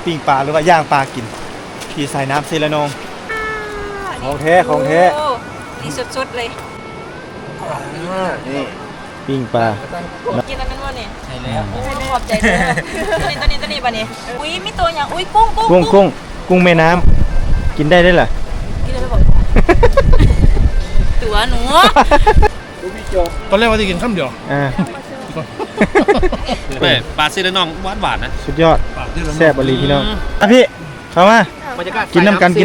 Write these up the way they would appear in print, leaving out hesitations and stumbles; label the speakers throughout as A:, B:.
A: ปิ้งปลาหรือว่าย่างปลากินที่ใส่น้ำเซรานองของแท้ของแท้
B: นี่สดๆเลย
A: นี่ปิ้งปลา
B: กินอันนั้นวะเนี่ย
C: ใช่แล้ว
B: ขอบใจเลยตัวนี้ป่ะเนี่ยอุ้ยมีตัวอย่างอุ้ยกุ้ง
A: กุ้งแม่น้ำกินได้ด้วยเหรอ
B: กินได้บอกตัวหนู
C: ตอนแรกว่าจะกินข้าวเดียวปลาซีรานองหวานนะ
A: สุดยอดแซ่บบรีพี่น้องพี่เข้ามากินน้ำกัน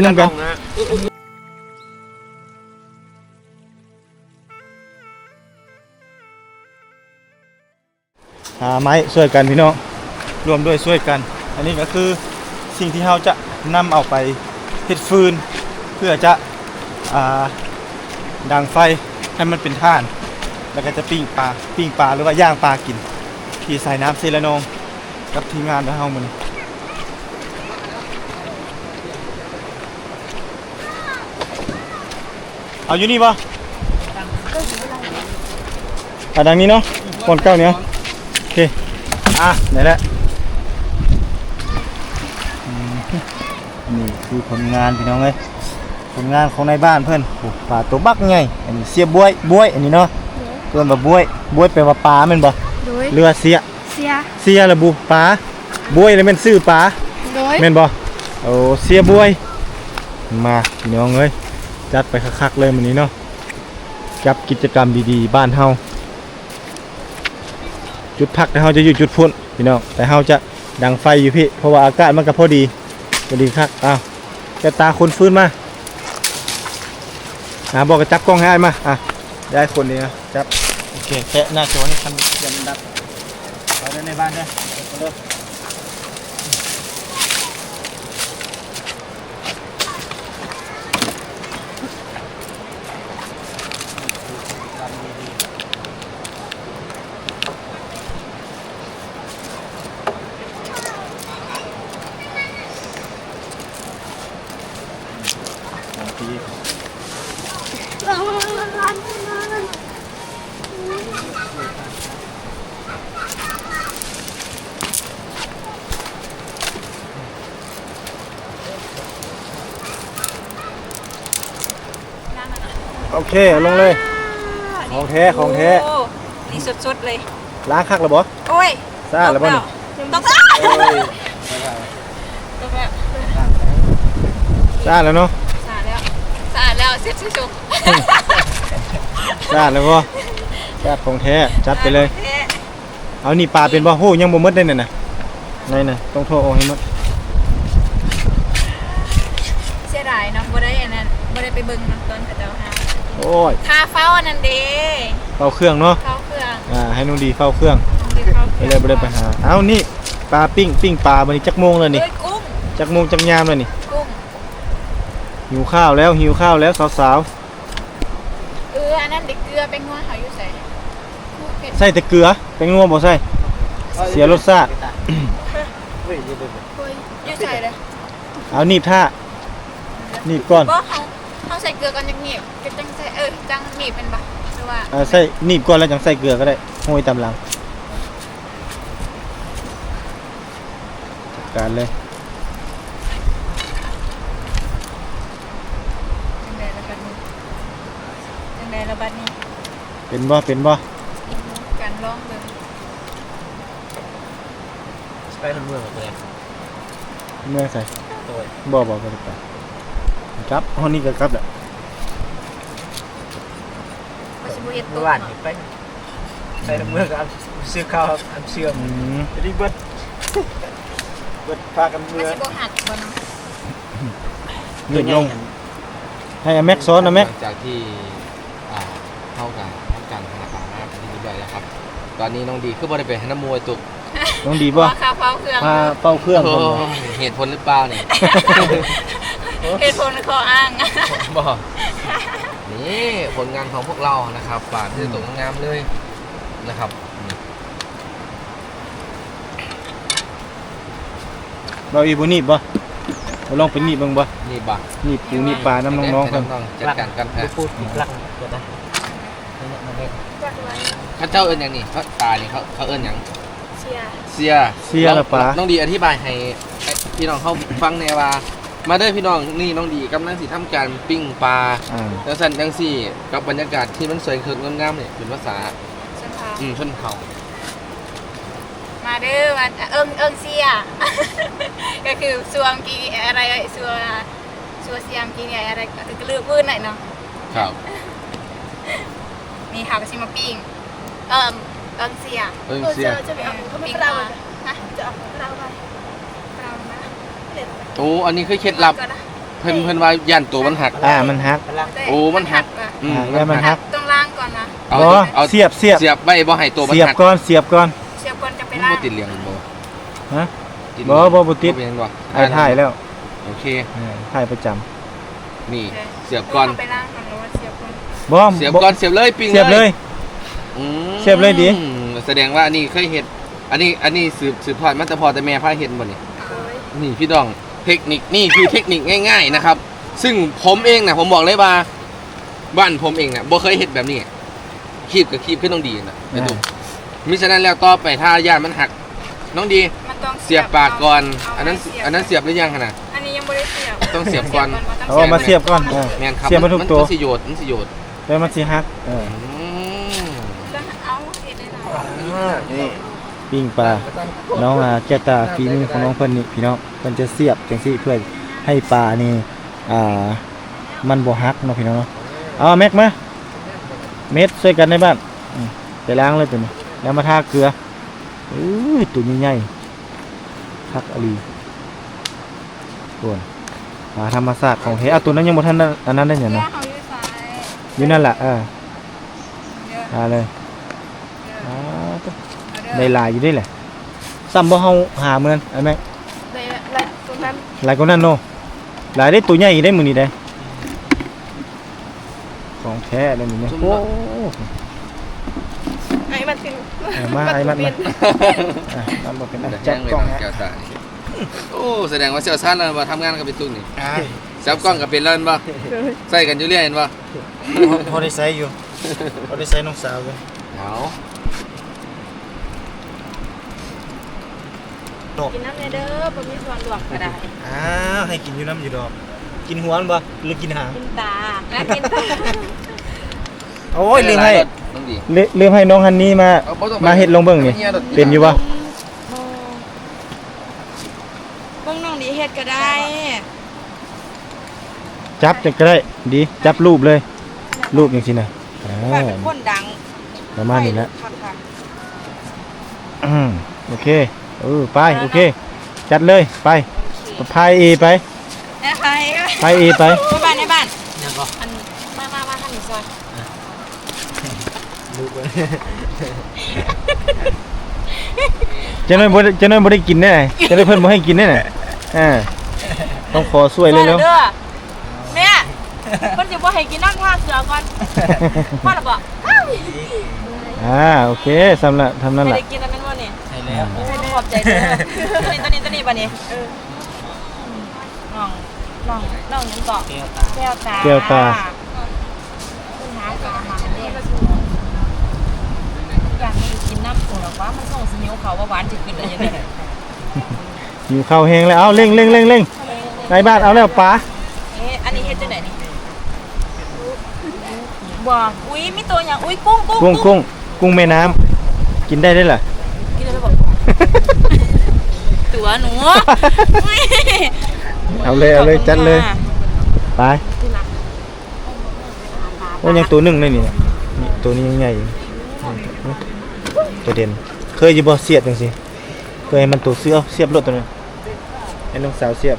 A: หาไม้ช่วยกันพี่น้องรวมด้วยช่วยกันอันนี้ก็คือสิ่งที่เราจะนำเอาไปเฮ็ดฟืนเพื่อจะดังไฟให้มันเป็นถ่านแล้วก็จะปิ้งปลาหรือว่าย่างปลากินที่ใส่น้ำเซรานองกับทีมงานของเรามันเอาอยู่นี่ป่ะดังนี้เนาะคนเก้าเนี้ยโอเคไหนแหละนี่คือผลงานพี่น้องเลยผลงานของในบ้านเพื่อนปลาตัวบักไงอันนี้เสียบวยอันนี้เนาะเพื่อนแบบบวยแปลว่าปลาเป็นบ่เรือเสียระบุปลาบวยเลยเป็นชื่อปลาเป็นบ่โอ้เสียบวยมาพี่น้องเลยจัดไปคักๆเลยวันนี้เนาะกับกิจกรรมดีๆบ้านเฮาจุดพักแต่เฮาจะอยู่จุดพุ่นพี่น้องแต่เฮาจะดังไฟอยู่พี่เพราะว่าอากาศมันก็พอดีครับแกตาคนฟื้นมาบอกกับจับกล้องให้มาได้คนนี้นะจับโอเคแค่หน้าจอให้ทันยันดับเอาได้ในบ้านได้โอเคลงเลยของแท้
B: นี่สดๆเลย
A: ล้างคักแล้วบ่
B: โอ้ย
A: สะอาดแล้วบ่นี่
B: ต้องสะอาด
A: สะอาดแล้วเนาะ
B: สะอาดแล้วเสร็จสุก
A: สะอาดแล้วบ่สะอาดของแท้จัดไปเลยเอานี่ปลาเป็นบ่โหยังบ่หมดได้น่ะน่ะต้องโทรเอาให้หมด
B: เสียดายเนาะบ่ได้อันนั้นบ่ได้ไปเบิ่งน้ำต้นกับเจ้าหา
A: โอ้ย
B: คาเฝ้าอันนั้นเด้
A: เฝ้าเครื่องเนาะ
B: เฝ้าเครื่อง
A: ให้นุ่งดีเฝ้าเครื่องไปเลยบ่ได้ไปหาเอานี่ปลาปิ้งปลาบัดนี้จักโมงแล้วนี่
B: กุ้ง
A: จักโมงจักยามแล้วนี่
B: กุ้ง
A: หิวข้าวแล้วสาว
B: อันนั้นเด็กเกลือเป็นงัวเขาอยู่
A: ใส่แต่เกลือเป็นงัวบ่ใส่เสียรสชาติ
B: อยู่ใส่เลย
A: เอาหนีบท่าหนีบก่อน
B: เขาใส่เกลือก่อนจังหนีบจังใส่จังหนีบเป็นปะหรือว่า
A: ใส่หนีบก่อนแล้วจังใส่เกลือก็ได้โห้ยตามหลังจัดการเลย
B: จังใดระบาดนี้
A: เป็นบ่
B: การร้องเลย
C: ไปทางเมืองเลย
A: เมื่อใส่บ่ก็ได้ไปครับห้องนี้ก็ครับแหละ
C: เมื่อวานไปใส่เมื่อกับซื้อข้าวอันเชื่อมรีบเบิดพากันเมื่อ
B: หัดบ่เนาะ
A: หยุดลงให้แม็กซ้อนนะแม็ก
D: จากที่เข้ากันทำการธนาคารนะครับที่ใหญ่แล้วครับตอนนี้น้องดีคือบ่ได้ไปให้น้ำมวยตุก
A: น้องดีป่ะ
B: เฝ้าเครื่อง
D: เหตุผลหรือเปล่าเนี่ย
B: เหตุผลข้ออ้าง
D: บอกนี่ผลงานของพวกเรานะครับฝากที่ตกงามเลยนะครับ
A: เราอีบุนีบบ่เราลองไปนีบบ้างบ่
D: นีบบ่
A: นีบปูนีบปลาน้ำน้องๆกัน
D: จัดการกัน
C: พูดรักเกิดนะ
D: เขาเจ้าเอิญอย่างนี้เขาตาเนี่ยเขาเอิญอย่าง
B: สเสีย
D: เสียละปะน้องดีอธิบายให้พี่น้องเขาฟังแน่ว่ามาเด้อพี่น้องนี่น้องดีกำลังสิทำการปิ้งปลาจังซั่นจังซี่กับบรรยากาศที่มันสวยงดงามเนี่ยเป็นภาษาชนเผ่า
B: มาเด้อมาเอิงเสีย ก็คือสวงกีอะไรสัวเสียมกีอะไรก็ลือพื้นหน่อยเนาะ
D: ครับ
B: นี่ค่ะก็ชิมาปิ้งเอิงเสีย
D: เสีย
B: จะไปเอาเขาไม่เราฮะจะเอาเราไปเรามา
D: โอ้อันนี้คือเคล็ดลับเพิ่นว่าย่านตัวมันหัก
A: มันหัก
D: โอ้มันหัก
A: แล้วมันหัก
B: ต้องล้างก่อนนะ
A: เอาเสียบ
D: เสียบไว้บ่ให้ตัวมัน
A: เสียบ
D: หัก
A: ก่อนเสียบก่อน
B: เสียบก่อนจะไป
D: มัน
B: ล้าง
D: บ่ติดเหลืองบ่
A: ฮะ
D: ติด
A: บ่ติด
D: เป็นบ่
A: ถ่ายแล้ว
D: โอเค
A: ถ่ายประจำ
D: นี่เสียบก่อน
B: ไปล้างก่อนหรือว่าเสียบก่อน
D: เสียบก่อนเสียบเลยปิ้ง
A: เสียบเลยเสียบเลยดิ
D: แสดงว่าอันนี้เคยเฮ็ดอันนี้สืบทอดมาแต่พ่อแต่แม่พาเฮ็ดบ่นี่พี่น้องเทคนิคนี่คือเทคนิคง่ายๆนะครับซึ่งผมเองนะผมบอกเลยว่าบ้านผมเองนะบ่เคยเฮ็ดแบบนี้คีบกับคีบขึ้นต้องดีนะไอ้ตุ๊กมิฉะนั้นแล้วต่อไปถ้าย่านมันหักน้องดี
B: มันต้อง
D: เสียบปากก่อนอันนั้นเสียบหรือยังขนาด
B: อันนี้ยังไม่ได้เสียบ
D: ต้องเสียบก่อน
A: เอามาเสียบก่อน
D: แม่นครับ
A: เสียบมาทุกตัว
D: มันสิโยด
A: แล้วมันสิหัก
B: เอาเห็ดได้หน่อย
A: นี่ปิ้งปลาน้องแก้วตาฝีมือของน้องเพิ่นนี่พี่น้องเพิ่นจะเสียบจังซี่เพื่อให้ปลานี่มันบ่หักเนาะพี่น้องเนาะเอาแม็กมาเม็ดช่วยกันในบ้านไปล้างเลยตัวนี้แล้วมาทาเกลือตัวใหญ่ๆทักอลีส่วนปลาธรรมชาติของเฮตัวนั้นยังบ่ทันอันนั้นได้หยัง
B: เนื้อ
A: นะ
B: เขาอยู่ซ้าย
A: อยู่นั่นล่ะ
B: เยอะ
A: มาเลย
B: เยอะ
A: ได้หลายอยู่ด้วยแหละซ้ำบ่เฮาหาเหมือนไอ้แม็ก
B: ได้ตรงนั้น
A: หลายกว่านั้นเนาะหลายได้ตัวใหญ่ได้มื้อนี้ได้ของแท้เลยมื้อนี้โอ้
B: ไอ้มันถึง
A: มาไอ้มันมันบ่เป็นจั
D: แจ้
A: บ
D: งไว้
A: กล้อง
D: น้องแก้วตานี่โอ้แสดงว่าเชี่ยวชาญแล้วว่าทำงานกับเป็นตุ้งนี่จับกล้องกับเป็นแล้วเห็นบ่ใส่กันอยู่เรื่อยเห็นบ่
A: พอได้ใช้อยู่พอได้ใช้น้องสาวอยู่
D: เอา
B: กินน้ำเด้อบ่มีส่วนหลวงก็ได้
A: ให้กินอยู่น้ำอยู่ดอกกินหัวมันบ่หรือกินหาง
B: กินตาและกินตา
A: โอ้ยลืมให้
D: น้องดี
A: ลืมให้น้องฮันนี่มาเฮ็ดลงเบิ่งนี่เป็นอยู่บ่
B: เบิ่งน้องดีเฮ็ดก็ได้
A: จับจะก็ได้ดีจับรูปเลยรูปจังซี่น่ะ
B: ว่าเป็นคนดัง
A: ประมาณนี้แหละ
B: ค่ะ
A: โอเคไปโอเคจัดเลยไปพายเอไป
B: แม่ใคร
A: พายเอไป
B: ในบ้านในบ้าน
C: ยังก็
B: อันมาทางนี้ซอย
C: ลูกเลย
A: จะน้อยบ่ได้กินแน่จะได้เพิ่นบ่ให้กินแน่ต้องขอช่วยเลยแล้ว
B: แม่เพิ่นสิบ่ให้กินน้ำท่าเสือก่อนพ่อน่ะบ่
A: โอเคสำหรับทำนั่น
B: ไม่
A: แหละ
B: ได้กินอันนั้นบ่นี่
C: ใช่แล้ว
B: โอ้ขอบใจเด้อตัวนี้บ่นี่น้องยังเกาะแก้วตาคุณหากับอาหารนี่อย่างนี้กินน้ำโอ้หรอวะมันส่งสินิ้วเขาว่าหวานจะขึ้นได้ยังไง
A: หิวข้าวแห้งแล้วเอาเร่งในบ้านเอาแล้วป๋า
B: อันนี้เฮ็ดจังได๋นี่บ่อุ้ยมีตัวอย่างอุ้ยกุ้งแม่น้ำกินได้ด้วยล่ะกินได้บ่ตัวหนู
A: เอาเลยจัดเลยไปโอ้ยังตัวหนึ่งเลยนี่ตัวนี้ยังใหญ่ตัวเด่นเคยอยู่บ่เสียบจังสิเคยให้มันตัวเสียบรถตัวนึงให้น้องสาวเสียบ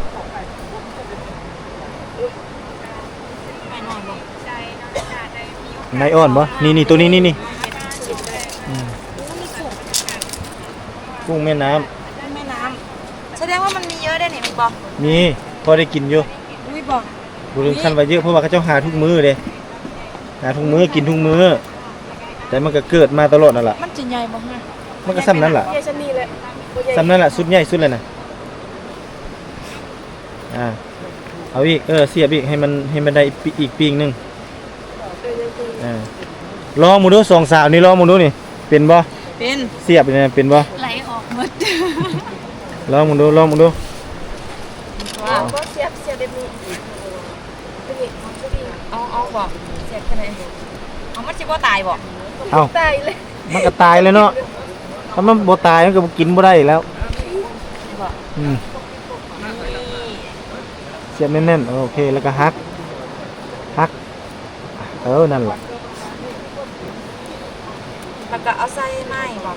A: นายอ่อนบ่นี่ตัวนี้นี่กุ้งแม่น้ำ
B: แสดงว่ามันมีเยอะได้นี่มันบ่
A: มีพอได้กินอยู่
B: อุ้ยบ่
A: ดูถึงขั้นว่าเยอะเพราะว่าเขาเจ้าหาทุกมื้อเด้หาทุกมื้อกินทุกมื้อแต่มันก็เกิดมาตลอดนั่นแหละ
B: มันจะใหญ่บ่ฮะ
A: มันก็ซ้ำนั้นแหละ
B: ใหญ่ซะนี่แหละ
A: ซ้ำนั้นแหละสุดใหญ่สุดเลยนะเอาอีกเสียบอีกให้มันได้อีกปีงนึงลองมูดู2 สาวนี่ลองมูดูนี่เป็นบ่
B: เป็น
A: เสียบนี่เป็นบ่
B: ไหลออกหมด
A: ลองมึงดูลองมึงดู
B: ว้าวก็เสียบแบบนี้เอาบอกเสียบแค่ไหนเอามันสิบ่ตายบ่
A: เอา
B: ตายเลย
A: มันก็ตายเลยเนาะถ้ามันบ่ตายมันก็บ่กินบ่ได้อีกแล้วอืมเสียบแน่นๆโอเคแล้วก็ฮักนั่นแหละ
B: แล้วก็เอาใส่ไม้บ่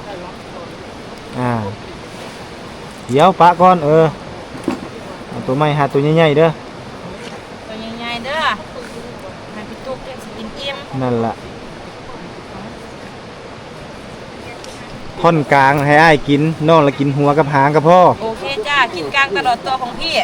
A: เดี๋ยวปะก่อนเอาตัวไม้หาตัวใหญ่ๆเด้อ
B: ตัวใหญ่ๆเด้อมันพี่ตุ๊กยังสิกินอิ่ม
A: นั่นล่ะท่อนกลางให้อ้ายกินน้องละกินหัวกับหางกับพ่อ
B: โอเคจ้ากินกลางตลอดตัวของพี่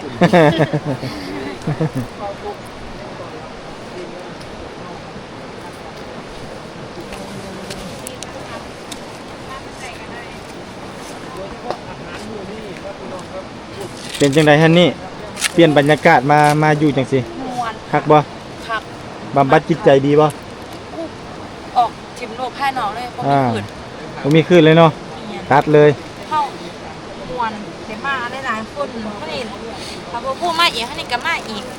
A: เป็นจังได๋ฮันนี่เปลี่ยนบรรยากาศมาอยู่จังสิ
B: ม่วน
A: คักบ่
B: คัก
A: บำบัดจิตใจดีบ่
B: ออกทิมโลกภายนอกเลยบ่มีขืน
A: บ่มีคืนเลยเนาะตัดเลย
B: เข้าม่วนเดี๋ยวมาหลายๆคนเขานี่ถ้าบ่พูดมาอีกเขานี่ก็มาอีก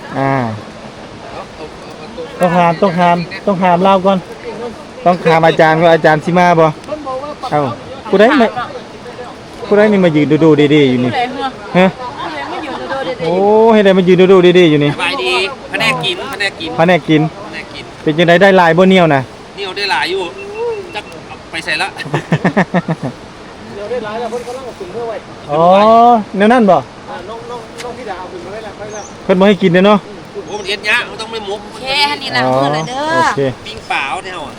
A: ต้องหามเล่าก่อนต้องถามอาจารย์ว่าอาจารย์สิมาบ่เอ้าผู้ใดนี่มายืนดูๆดีๆอยู่นี่
B: ผู้ใดเหรอ
A: ฮะ
B: ผู้ใดมาอยู่โดดๆเด็ด
A: โอ้ให้ได้มายืนดูๆดีๆอยู่นี่
D: สบายดีพะแนกกิน
A: พะแนกกิน
D: พะแนกกิน
A: เป็นจังไดได้หลายบ่เหนียวน่ะ
D: นี่เอาได้หลายอยู่จักเอาไปใส่ละ
C: เดี๋ยวได้หลายแล้วเพิ่นกำลังเอาขึ้นเพื่อไว้
A: อ๋อแนวนั้นบ่
C: น้องพี่ดาเอาขึ้นมาไว้แล้วไปแล้ว
A: เพิ่นบ่ให้กินเด้อเนาะ
D: โอ้มันเอ็ดยะมันต้องไม่มุก
B: โอเคอันนี้ล้างมือเลยเด้อ
A: โอเค
D: ปิ้งเปล่าเนี่ยอ่ะ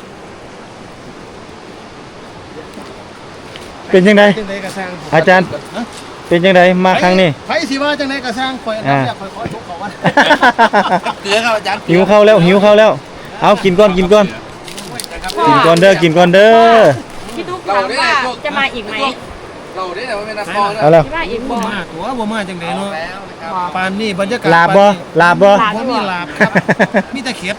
A: เป็นจังได
C: จังได๋ก็สร้าง
A: อาจารย์เป็นจังไดมาครั้งนี้
C: ไผสิว่าจังได๋ก็สร้างข่อยอันดับแรกข่อยขอทุกเขาว่า
D: เกลือครับอาจารย์
A: หิวข้าวแล้วเอากินก่อนกินก่อนเด้อกินก่อนเด้อ
B: พี่ตุ๊กถามว่าจะมาอีกไหม
D: เราได้แต่ว่าเป็นนักบอล
A: เอาแล้ว
B: มาอีก
C: บ่
B: บ่
C: มาตัวบ่มาจังได๋เนาะ
D: แล้วนะครับ
C: ปานนี้บรรยากาศ
A: ลาบบ่
C: บ่มีลาบครับมีแต่เข็ด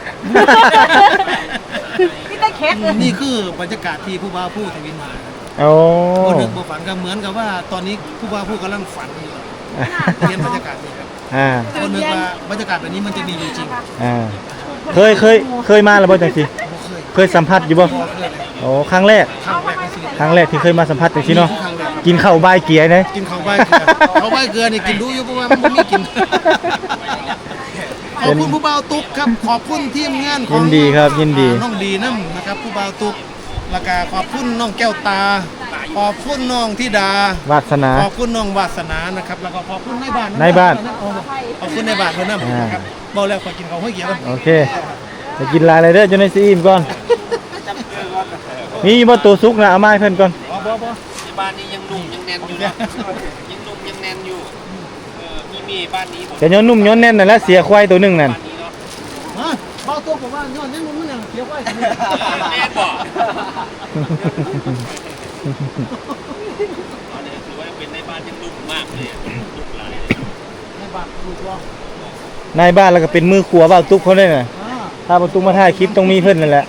B: พี่ตะเข็ด
C: นี่คือบรรยากาศที่ผู้บ่าวผู้ทวินมา
A: โอ้
C: บ่นึกบ่ฝันก็เหมือนกับว่าตอนนี้ผู้บ่าวผู้กำลังฝันอยู่เห็นบรรยากาศนี่ครับ คนนึกว่าบรรยากาศแบบนี้มันจะมีอยู่จริง
A: เคยมาแล้วบ่จังซี่เคยสัมผัสอยู่บ่
C: พอเคยเลย
A: โอ้ครั้งแรก
C: ครั้งแรกในชีวิต
A: ที่เคยมาสัมผัสจังซี่เนาะ
C: ครั้งแรก
A: กินข้าวบายเกียร์เด้
C: กินข้าวใบเกลือข้าวใบเกลือนี่กินดูอยู่เพราะว่ามันบ่มีกินขอบคุณผู้บ่าวตุ๊กครับขอบคุณทีมงานของ
A: ยินดีครับยินดี
C: น้องดีน้ำนะครับผู้บ่าวตุ๊กแล้วก็ขอบคุณน้องแก้วตาขอบคุณน้องธิดาว
A: าสนา
C: ขอบคุณน้องวาสนานะครับแล้วก็ขอบคุณในบ้าน
A: ในบ้าน
C: ขอบคุณในบ้านเพิ่นนำนะครับบอกแล้วขอกินข้าวห้อยเกี๊ยวกัน
A: โอเคไปกินหลายเลยเด้อจนได้สิอิ่มก่อนมีบ่ตัวสุกนะเอามาให้เพิ่นก่อน
C: บ่
D: ที่บ้านนี้ยังนุ่มยังแน่นอยู่นะยังนุ่มยังแน่นอยู่มีบ้านนี้ผม
A: จะย้อนนุ่มย้อนแน่นนั่นแหละเสียควายตัวหนึงนั่น
D: บ้านนี้เนาะ
C: ฮะเบาตัวผมว่าย้อนนี่มันยังเกี๊ยวไว้
D: แน่นบ่อันนี้ถือว่าเป็นในบ้านยังนุ่มมากเลยนุ่มหลาย
C: ในบ้านลูกรอง
A: นายบ้านแล้วก็เป็นมือขัวเบาตุ๊กเขาได้น่ะถ้าบ่ตุ๊กมาถ่ายคลิปต้องมีเพิ่นนั่นแหละ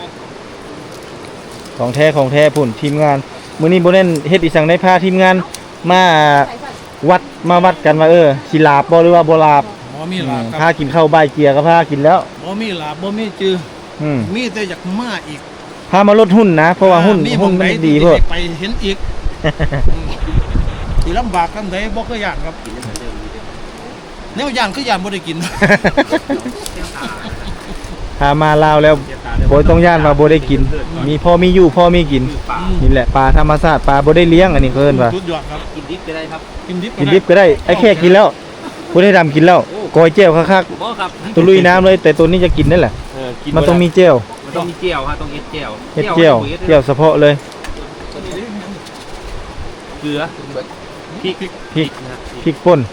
A: ของแท้พุ่นทีมงานมื้อนี้บ่แน่นเฮ็ดอีสังได้พาทีมงานมาวัดกันว่าสิลาบบ่หรือว่าบ่ลาบ
C: บ่มีลาบค
A: พา
C: รับ
A: กินข้าวบ่ายเกียร์ก็พากินแล้ว
C: บ่มีลาบบ่มีจือ
A: อืม
C: มีแต่อยากมาอีก
A: พามาลดหุ้นนะเพราะว่าหุ้น
C: มี
A: มัน
C: หม้องใ
A: ดี
C: ที่
A: เพิ่น
C: ไปเห็นอีกสิลำบากกันใดบ่เคยย่านครับแนวย่านคือย่านบ่ได้กิน
A: พามาลาวแล้วบ่ต้องย่านว่าบ่ได้กิน มีพ่อมีอยู่พ่อมีกินนี่แหละปลาธรรมชาติปลาบ่ได้เลี้ยงอันนี้เพิ่นว่า
C: สุดยอดครับ
D: กินดิบก็ได้ครับ
C: กินดิบ
A: กินดิบก็ได้ไอ้แค่กินแล้วผู้ได้ดำกินแล้วกอยเจียวคัก
D: บ่ครับ
A: ๆตัวลุยน้ำเลยแต่ตัวนี้จะกินนั่นแหละ
D: กิน
A: มันต้องมีเจียว
D: มันต้องมีเจียวฮะต้องเอ็ดเจียว
A: เฮ็ดเจียวเจียวเฉพาะเลย
D: เกลือพริก
A: พริกป่น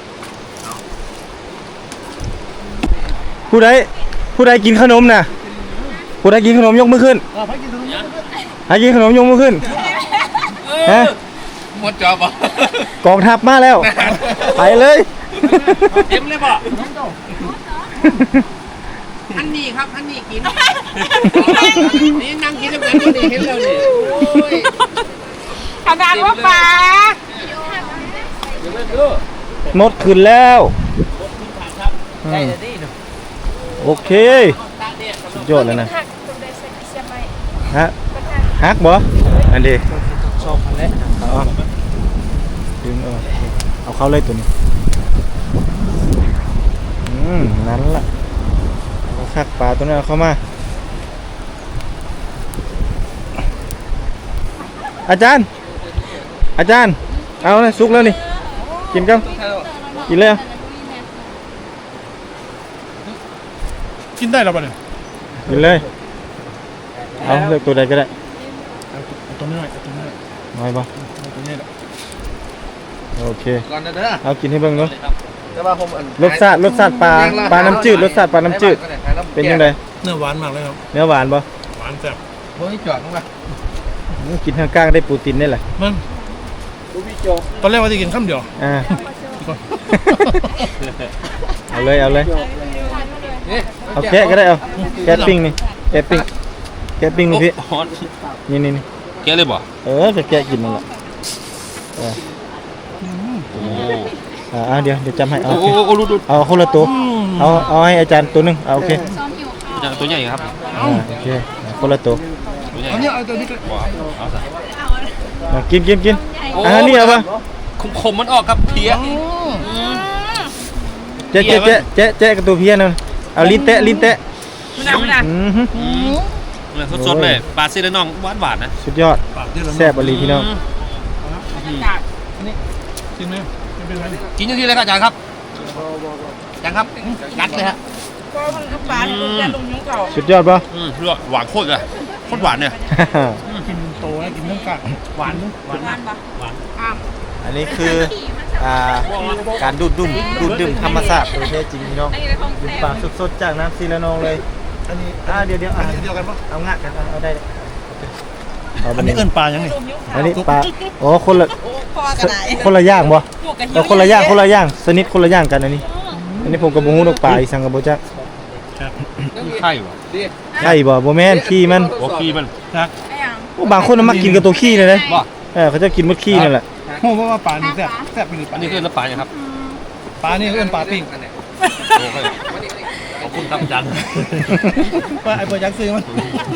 A: ผู้ใดกินขนมน่ะผู้ใดกินขนมยกมือขึ้น
C: ไปกินขนม
A: ใครกินขนมยกมือขึ้นฮะ
D: หมดจอบอ่ะ
A: กองทัพมาแล้ว ไปเลย
D: เต็มเลยบ่อันนี้ครับอันนี้กินนี่นั่งกินแล้วกันนี่เห็นแล้วนี่โอ้ย
B: ขนาดว่าปลา
D: เดี๋ยวเบิ่งดู
A: หมดขึ้นแล้วอื
C: ได้
A: ม
C: จะดีเนาะ
A: โอเคสุดยอดเลยนะฮะฮักบ่อันนี้
C: ชอบอันแรก
A: เอาดึงเอาเข้าเลยตัวนี้นั้นล่ะเอาคักปลาตัวนั้นเอาเข้ามาอาจารย์เอาเลยสุกแล้วนี่กินกันกินเลย
E: กินได้แล้วป่ะเนี่ย
A: กินเลยเอาเลือกตัวใดก็ได้
E: เอาตัวนี้หน่อยเอาตัวนี้หน่อย
A: น้อยบ่
E: เอาตัวนี้แหละ
A: โอเค
D: ก่อนนะเด้อ
A: เอากินให้เบิ่งเนาะ
D: แต่ว่าผมอัน
A: รสชาติปลาน้ำจืดรสชาติปลาน้ำจืดเป็นยังไง
E: เนื้อหวานมากเลยครับ
A: เนื้อหวานบ่
E: หวานแซ่บ
D: โอ้ยจอดลงมา
A: กินข้างกลางได้โปรตีนได้แหละ
E: มันตอนแรกว่าจะกินข้าวเดียว
A: อ่าเอาเลย
D: นี่
A: เอาแกะก็ได้เอาแกะปิ้งนี่แกะปิ้งนี่พี่นี่
D: แกเลยบ่
A: จะแกะกินนั่นแหละเดี๋ยวจำให้เอา
D: โอ้รุด
A: เอาคนละตัวเอาให้อาจารย์ตัวหนึงเอาโอเค
D: ตัวใหญ่ครับ
A: โอเคคนละตัว
E: เอาเนี่ยเอาตัวนี้ก็
A: กินนี่เอาป่ะ
D: คมมันออกครับเพี้ย
A: เจ๊กับตัวเพี้ยนั่นเอาลิ้นแตะ
B: ไม่ได้
D: สดๆเลยปลาซีและน้องหวานๆนะ
A: สุดยอด
E: ปากที่เรา
A: แซ่บอลีพี่น้อง
E: กินไหมไม่เป็นไร
D: กินอย่างที่เลยครับอาจารย์ครับอาจารย์ครับกัดเลยฮะ
B: ปลาลูกแกลุงยุ่งเก่า
A: สุดยอดป่ะ
D: หวานโคตรเลยโคตรหวานเนี่ย
E: กินโตแล้วกินเนื้อกากหวานหวานมาก
A: อันนี้คือการดูดดื่มธรรมชาติโดยแท้จริงพี่น้อง
B: อันนี้เป็นของ
A: ดื่ม
B: แซ่
A: ปลา
B: บ
A: สดๆจากน้ำซีละนองเลย
E: อันนี้
A: เดี๋ยว
E: เดียวกันปะ
A: เอางะกันเอาได้เอา
E: อันนี้เอิ้นปลายังไง
A: อันนี้ปลาคนละ
B: พอกันไหน
A: คนละอย่างบ่
B: ลูกกัน
A: คนละอย่างสนิทคนละอย่างกันอันนี้ผมกับบ่ฮู้ดอกปลาอีสังกับบ่จัก
D: ไข่บ่
A: ใช่บ่แม่นขี้มัน
D: โอเคมัน
E: จัก
A: บางคนน่ะมักกินกับตัวขี้เลยนะ
D: บ่
A: เขาจะกินมดขี้นั่นแหละ
E: โอ้เพราะว่าปลานี่แซ่บไปเลยป
D: อั
E: ลาน
D: นี้คือน้ำปลาอย่างครับ
E: ปลานี่เอิ้นปลาปิ้ง
D: โอเคขอบคุณครับอาจารย์
E: ว่าไอ้เปิดยักษ์ซื้อมัน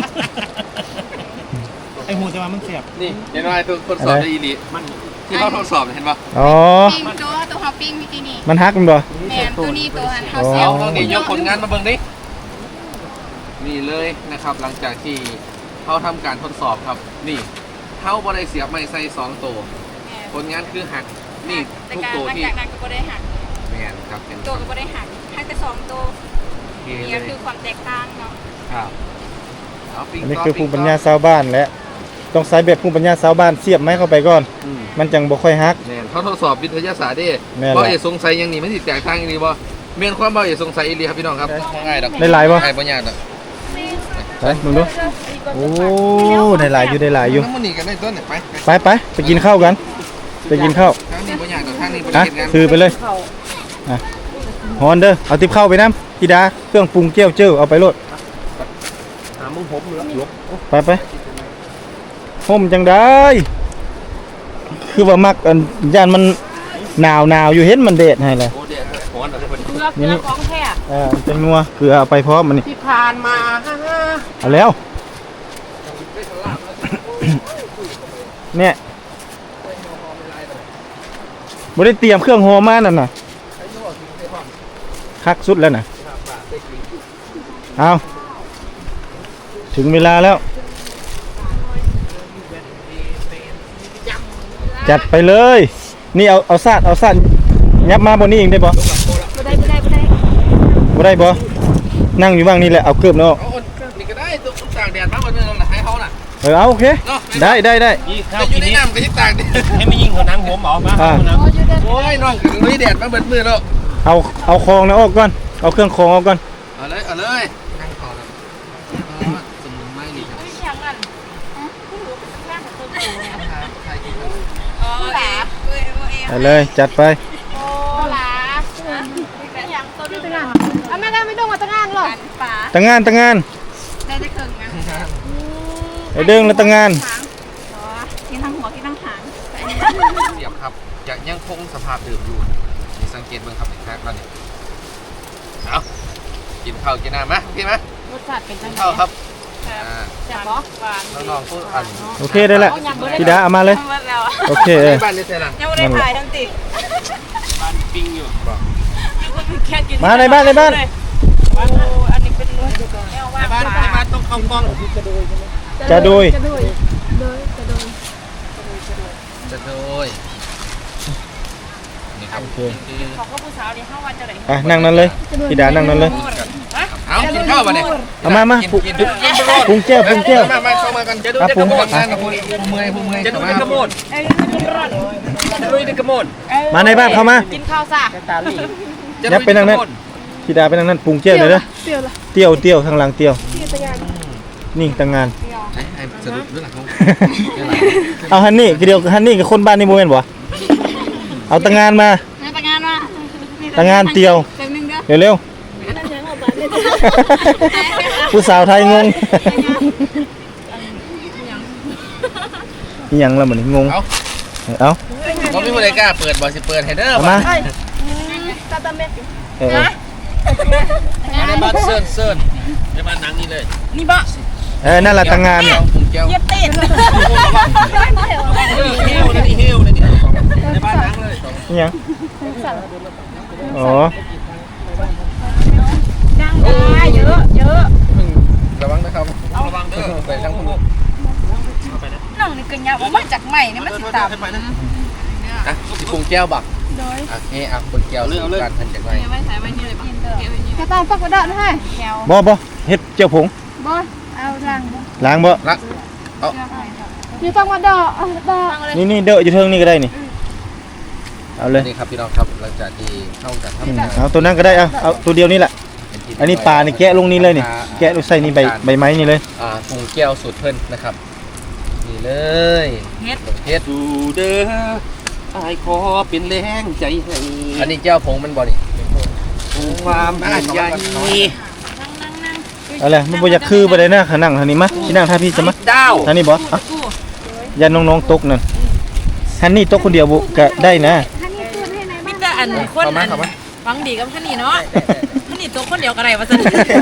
E: ไอ้หูจะมามันเสียบ
D: นี่เห็นไหมทุกคนสอบได้อีนี่มันที่เขาทดสอบเห็นป่ะ
A: อ๋อ
B: ปิ้งตัวฮอปปิ้งพี่กินี่
A: มันฮักมันบ่
B: แมนตัวนี้ตัวหันเขา
A: อ๋อ
B: เสีย
D: เอา
B: บ
D: ตอนนี้ยกผลงานมาเบิ่งดินี่เลยนะครับหลังจากที่เขาทำการทดสอบครับ นี่เขาบ่ได้เสียบไม้ใส่2ตัวผลงานคือหักนี่
B: แต่
D: ทุก
B: การ
D: ตัว
B: หลัง
D: ที่
B: จากนั้นก็ได้หัก
D: แมนครับเป็น
B: ตัวก็ไม่ได้หักหักแต่2ตัว
D: เก
B: นี่
D: เล
B: ก็
D: ย
B: คือความแตกต่างเนาะ
D: ครับเอาปิ้ง
A: อันนี้
D: ต่
A: คือ
D: ปิ้
A: ภู
D: ง
A: มิปัญญาชาวบ้านและต้องใช้แบบภูมิปัญญาชาวบ้านเสียบไม้เข้าไปก่อน
D: อืม
A: มันจังบ่ค่อยฮัก
D: แม่นเขาทดสอบวิทยาศาสตร์เด้
A: แม่น
D: บ่
A: ล่ะ
D: เอกสงสัยอย่างนี้มันสิแตกต่างอีหลีบ่แม่นความบ่เอกสงสัยอีหลีครับพี่น้องครับง่ายดอก
A: ได้หลายบ่
D: ง่ายบ่ยากดอก
A: ไปมึงดูโอ้ได้หลายอยู่
D: น้ำมันนี่กันได้ต้นเนี่ยไป
A: ไปกินข้าวกัน ไปกินข้าว
D: ทางนี้บ่ยากดอกทางนี้บ่
A: ฮะ
D: ได้เฮ็ดงาน
A: ซื้อไปเลยฮอนเด้อเอาติบข้าวไปน้ำธิดาเครื่องปรุงเจียวเจ้าเอาไปโลด
D: มึงผมลบ
A: ไปห่มจังได้คือว่ามักอันย่านมันหนาวอยู่เห็นมันเดดให้เลย
D: โอ้เดี๋ยวฮ้อนอะไรเพิ่น
B: เกลือของแท้
A: จังนัวเกลือเอาไปพร้อมมันนี่
D: ที่ผ่านมาฮ่า
A: เอาแล้วเนี่ยบ่ได้เตรียมเครื่องหอมมานั่นน่ะคักสุดแล้วน่ะเอาถึงเวลาแล้ว จัดไปเลย นี่เอาซาดยับมาบนนี้เองได้บ่
B: บ่ได้
A: บ่ได้บ่นั่งอยู่บ้างนี่แหละเอาเกือบเนาะ
D: เอานี่ก็ได้ตัวตากแดดมาบ่แม่นให้เขาน่ะ
A: เอาโอเค
D: เนาะ
A: ได้
D: แต่อยู่ในน้ำก็ยังตากแดด
C: ให้ไม่ยิงหัวนังผมเอามา
D: โอ้ยน้องลุยแดดมาเบิดมือแล้ว
A: เอาคองนะออกก่อนเอาเครื่องคองออกก่อน
D: เอาเลยนั่งต่อแล้วสมุนไพรนี่ครับ
B: เสียงกันผู้รู้เป็นแรกของตัวเนี่ย
D: ใครกินครับ
B: อ๋อหลาเอ้ย
A: ไปเลยจัดไป
B: โอ้หลาอย่างตัวนี้ตั้งอ่ะแม่ได้ไม่ต้องมาตั้งงานหรอกป๋า
A: ตั้งงาน
B: ได้จะเคิงนะ
A: ไอเด้งแล้วตั้งงาน
B: อ๋อกินทั้งหัวกินทั้งหาง
D: ยังคงสภาพเดิมอยู่นี่สังเกตเบิ่งครับอีกครั้งแล้วนี่เอากินข้าวกินน้ำมะพี่มะ
B: รสชาติเป็นจั
D: กิ
B: ง
D: น
B: ไง
D: ข้าวครับ
B: แซ่บบ่หวาน
D: น้องๆพูดอัน
A: โอเคได้ละพี่ดาเอามาเลย
B: หมดแล้ว
A: โอเค
D: ในบ้านนี่เท่าไหร่
B: ยังไม่ได้ถ่ายทั้งติ
D: บ้านปิ้งอยู่บอก
B: แค่กิน
A: มาในบ้านในบ้าน
B: อันนี้เป็นแนวว่า
D: ในบ้านต้องเข้ากล้อง
A: จะโดย
D: จะโดยนี่ครับ
A: โอเค
B: ของก็ผู้สาวนี่เข้าวันจะไหน
A: อ่ะนั่งนั่นเลยพี่ดานั่งนั่นเลย
D: เอากินข้าวมาเนี่ย
A: เอามา
D: กิน
A: ปรุง
D: กิน
A: ปรุงแก้วปรุงแก้ว
D: มาเข้ามากันจะดู
A: อ่ะ
D: จะ
A: ปรุ
D: ก
A: ง
D: ระโดดงานกับผู้เมื่อยจะดูจะกระโดดจะดูจะกระโดด
A: มาในบ้านเข้ามา
B: กินข้าวซะ
A: ยับไปนั่งนั่นพี่ดาไปนั่งนั่นปรุงแก้วเลยเด้อเตี้ยวทางหลังเตี้ยวนี่ตั้งงาน
D: ไอ้สรุปเรื่องของ
A: เอาฮันนี่คือเดียวฮันนี่กับคนบ้านนี่โมเมนต์บ่เอาตั้งงานมา
B: ไปงานมา
A: ตั้งงานเตี้ยว
B: เต็มนึงเด้อ
A: เร็วๆผู้สาวไทยงงอีหยังละเหมือนงง
D: เอา
A: เอา
D: ก็ไม่มีใครกล้าเปิดบ่สิเปิดให้เด้อ
A: เอามาเออ
D: ในบ้านเซิร์นในบ้านนังนี่เลย
B: นี่บ่
A: นั่นแหละตั้งงาน
D: ผมแก้ว
B: เย็บตีน
D: เฮลนี่ในบ้านนังเลย
A: อีหยังอ๋อ
B: ดังได้เยอะ
D: ระวังนะครับระวังเด้อไปทางคุณ
B: น้องนี่ก็ยาวมาจากใหม่นี่มันสิตาม
D: อ่ะสิปรุงแก้วบักโอเคอ่ะปรุงแก้วเรื่องการทันจากไหน
B: ไว้ใส่ไว้นี่เลยบ่กระต่ายฟักกระดาษให้แก้ว
A: บ่เฮ็ดเจียวผง
B: บ่เอาล้าง
A: ล้างบ่
D: ละ
B: นี่ต้องมาดอกดอก
A: นี่เด้ออยู่เทิงนี่ก็ได้นี่เอาเลย
D: นี่ครับพี่น้องครับหลังจากที่เข้ากันทำงาน
A: เอาตัวนั้นก็ได้เอาตัวเดียวนี่แหละอันนี้ปลานี่แกะลงนี่เลยนี่แกะใส่นี่ใบไม้นี่เลย
D: ปรุงแก้วสูตรเพิ่นนะครับนี่เลยเฮ็ดดูเด้ออายขอเป็นแรงใจให้อันนี้แก้วผงมันบ่นี่ความใหญ่
A: เอาเลยมันบ่อยากคือบ่ได้นะขานั่งทางนี้มาสินั่งท่าพี่จะมา
D: ดาว
A: ทางนี้บ่ยันน้องๆตกนั่นฮันนี่ตกคนเดียวบ่ก็ได้นะ
B: มีแต่อันคนอันฟังดีกับท่านนี่เนาะท่านนี่ตัวคนเดียวกันไรวะซั่น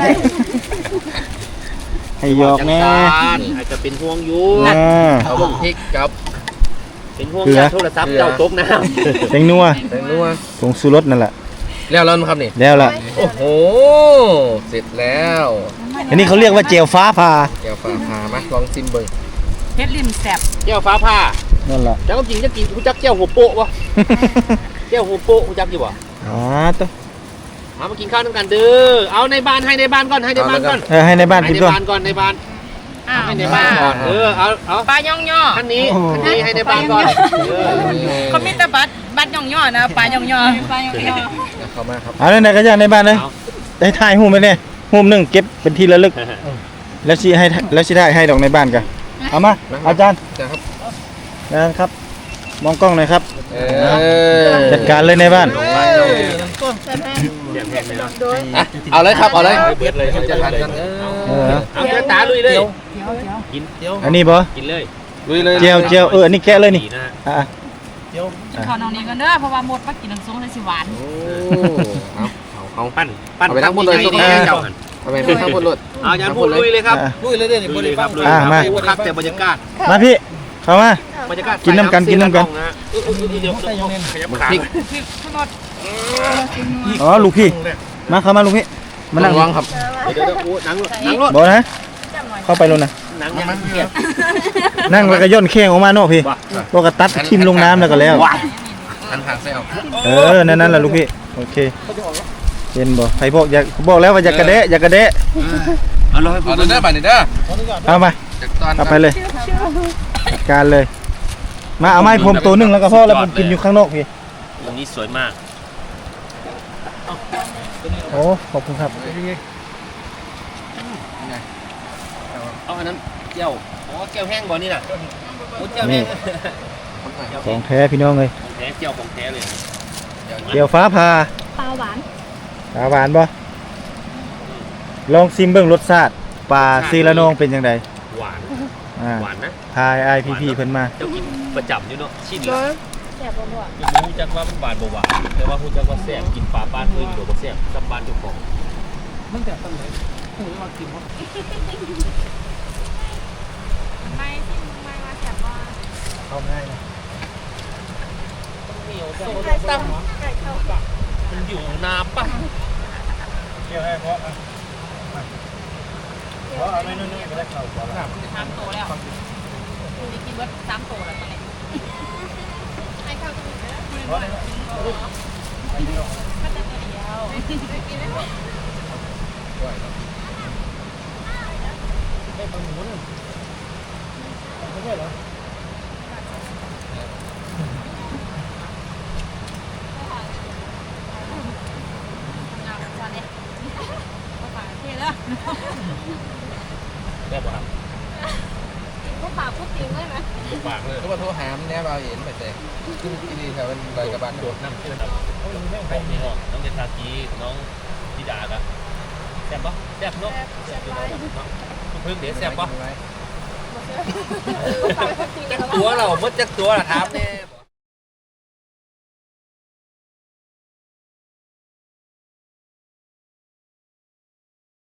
A: ให้หยอกแน่
C: อาจจะเป็นห่วงอยู่
D: เอาบักพริกกับ
C: เป็นห่วงยาโทรศัพท์เจ้าตกน้ำ
A: แตงนัว
D: แตงนัว
A: ผงชูรสนั่นแหละ
D: แล้วครับนี่
A: แล้วล่ะ
D: โอ้โหเสร็จแล้ว
A: อันนี้เขาเรียกว่าเจลฟ้าผ่า
D: แก้วฟ้าผ่ามาลองชิมเบิ่ง
B: เฮ็ดลิ้นแซ่บ
C: แก้วฟ้าผ่า
A: นั่นล่ะ
C: เจ้าจริงจะกินกูจักแก้วหัวโปะวะแก้วหัวโปะกูจักอยู่วะ
A: ตัว
C: เอามากินข้าวด้วยกันเด้อเอาในบ้านให้ในบ้านก่อนให้ในบ้านก่อน
A: ให้ในบ้าน
C: ให้
A: กิน
C: ใน
A: ก่อน
C: บ้านก่อนในบ้าน
B: อ้าว
C: ให้ในบ้านก่อนเอา
B: ปลาย่องย่อ
C: ท่านนี้ให้ในบ้านก่อน
B: เขามีแต่บัดย่องย่อนะปลาย่องย่อปลาย่องย่อ
D: เข้ามาครับ
A: เอาไหนๆก็ย่างในบ้านเลยได้ถ่ายหูปไปเนี่ยหูปหนึงเก็บเป็นที่ระลึกแล้วสิได้ให้ดอกในบ้านกันเอามาอาจารย์
D: ครับ
A: นะครับมองกล้องหน่อยครับ จัด
D: ก
A: การเลยในบ้าน
D: เอาเลยครับเอาเลยจะทานกัน
C: เอาเจ้าตาลุยเลยกิน
A: อันนี้บ่
C: กินเลย
D: ลุยเลย
A: เจียวอันนี้แกะเลยนี่
C: ดีนะ
A: อ่ะ
B: ขอน้องนี้กันเด้อเพราะว่าหมดมากินน้ำส้มเลยสิหวาน
D: เอา
C: ปั้น
D: เอาไปทั้งหมดเลย
C: เจ้าหัน
D: เอาไปทั้งหมดเลย
C: เอาจารย์พูดลุยเลยครับ
D: ลุยเลยเด้อนี่
C: ลุยเลยครับลุย
A: มา
C: ครับแต่บรรยากาศ
A: มาพี่เข้ามา
C: บรรยากาศ
A: กินน้ำกัน
C: เดี๋ยวขยับขา
D: พริก
B: ทั้งหมด
A: อ๋อลูกพี่มาเข้ามาลูกพี่มานั่ง
D: ระวังครับ
C: เดี๋ยวโอ้นั่งรถ
A: บ่นะเข้าไปลงนะ
C: นั่ง
A: นั่งแล้วก็ย่นแข้งออกมาเนาะพี่ก็กระตัดทิ่มลงน้ำแล้วก็แล้ว
D: หันทางใส่เอา
A: นั่นแหละลูกพี่โอเคเห็นบ่ใครบอกแล้วว่าอย่ากระเดะอย่ากระเดะ
C: เอาเลย
D: เอาเด้อไปเด้อ
A: เอามา
D: จากตอน
A: เอาไปเลยจัดการเลย มาเอาไม้ผมตัวหนึงแล้วก็พอแล้วผมกินอยู่ข้างนอกพี่
C: ตรงนี้สวยมาก
A: โอ้ขอบคุณครับ
C: เอาอันนั้นแก้วอ๋อแก้วแห้งบ่นี่น่ะโอ้แก้วแห้ง
A: ของแท้พี่น้องเลย
C: ของแท้แก้วของแท้เลย
A: เดี๋ยวฟ้าผ่า
B: ปลาหวาน
A: ปลาหวานบ่ลองซิมเบิ่งรสชาติปลาซีละนองเป็นยังไง
C: หวาน
A: อ่า
C: หวานนะ
A: พายไอพีพีเพิ่นมา
C: เจ้ากินประจำอยู่เนาะชิ้น
B: โด
C: ละ
B: ยซ่บบ่บ่
E: รู้จักว่ามันหวานบ่หวานแต่ว่ารู้จักว่าแซ่บกินปลาบ้านอื่นหรือบ่แซ่บกับบ้านเจ้าของมันแต่ตั้งแต่หูว่ากินว่า
B: ไม่ที่มึงไม่ว่าแซ่บบ่
A: เข้าง่ายนะ
E: เหนียวแต่
B: ไก่ตำไก่เข้าปาก
E: มันอยู่นาป่ะ
A: เกี่ยวให้เพราะเพราะเอาไม่นู่นๆก็ได้เข้าบ่ล่ะ
B: 3 โตแล้วกูได้กินเบิด3 โตแล้วตอนนี้ไอ้ข้าวก็มีเด้อ
A: เพราะได้
B: มันจะตัวเดียวกินได้บ่
E: ได้ปลาหมูนึงไม่ใช่เหรอ
B: เอาจานนี้ก็ปากเท่เด้อ
E: ได้ป่ะครับ
B: ก็ปากพูดจริงเลยนะ
E: ปากเลย
D: ก็มาโทรหามเนี่ยเราเห็นไปแต่ที่นี่แถวใบกระบาด
E: โดดน้ำเชื่อครับผมนี่น้องเดชากีน้องธิดาครับแซ่บปะแซ่บเนาะแซ่บเนาะคุณพึ่งเดี๋ยวแซ่บปะจักตัวเราเมื่อจักตัวละถามเนี่ย